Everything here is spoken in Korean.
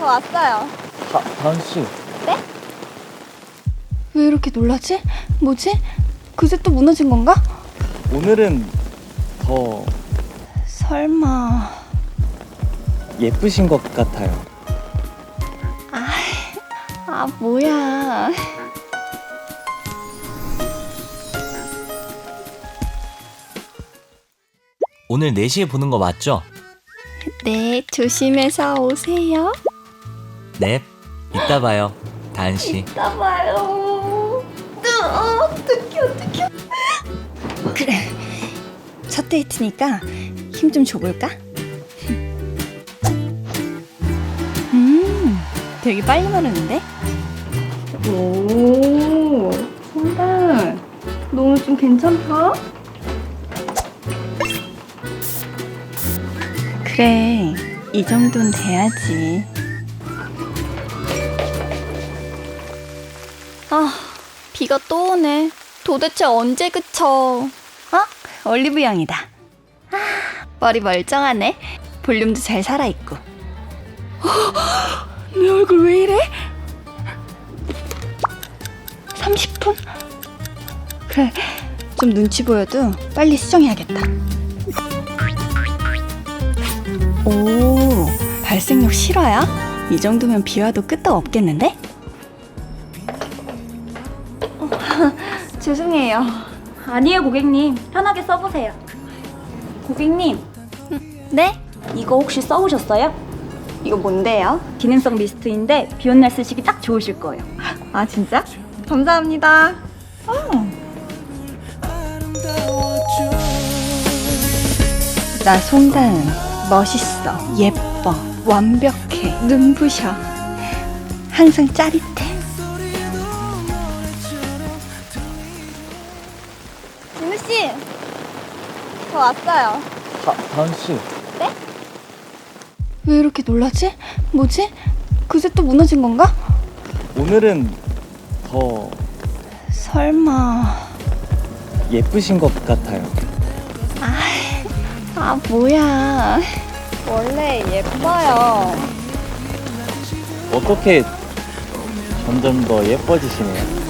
저 왔어요. 다은 씨. 네? 왜 이렇게 놀라지? 뭐지? 그새 또 무너진 건가? 오늘은 더 설마... 예쁘신 것 같아요. 뭐야. 오늘 4시에 보는 거 맞죠? 네, 조심해서 오세요. 네, 이따 봐요, 다은 씨. 이따 봐요. 어떡해. 그래, 첫 데이트니까 힘 좀 줘볼까? 되게 빨리 마르는데? 오, 성단, 너 오늘 좀 괜찮다? 그래, 이 정도는 돼야지. 비가 또 오네. 도대체 언제 그쳐? 올리브 영이다. 머리 멀쩡하네. 볼륨도 잘 살아있고. 내 얼굴 왜 이래? 30분? 그래, 좀 눈치 보여도 빨리 수정해야겠다. 오, 발색력 실화야? 이 정도면 비와도 끄떡 없겠는데? 죄송해요. 아니에요, 고객님. 편하게 써보세요. 고객님, 네? 이거 혹시 써보셨어요? 이거 뭔데요? 기능성 미스트인데 비 온 날 쓰시기 딱 좋으실 거예요. 아, 진짜? 감사합니다. 나 송다은 멋있어, 예뻐, 완벽해, 눈부셔, 항상 짜릿해. 진우 씨, 저 왔어요. 다은 씨. 왜 이렇게 놀라지? 뭐지? 그새 또 무너진 건가? 오늘은 더 설마... 예쁘신 것 같아요. 뭐야. 원래 예뻐요. 어떻게 점점 더 예뻐지시네요.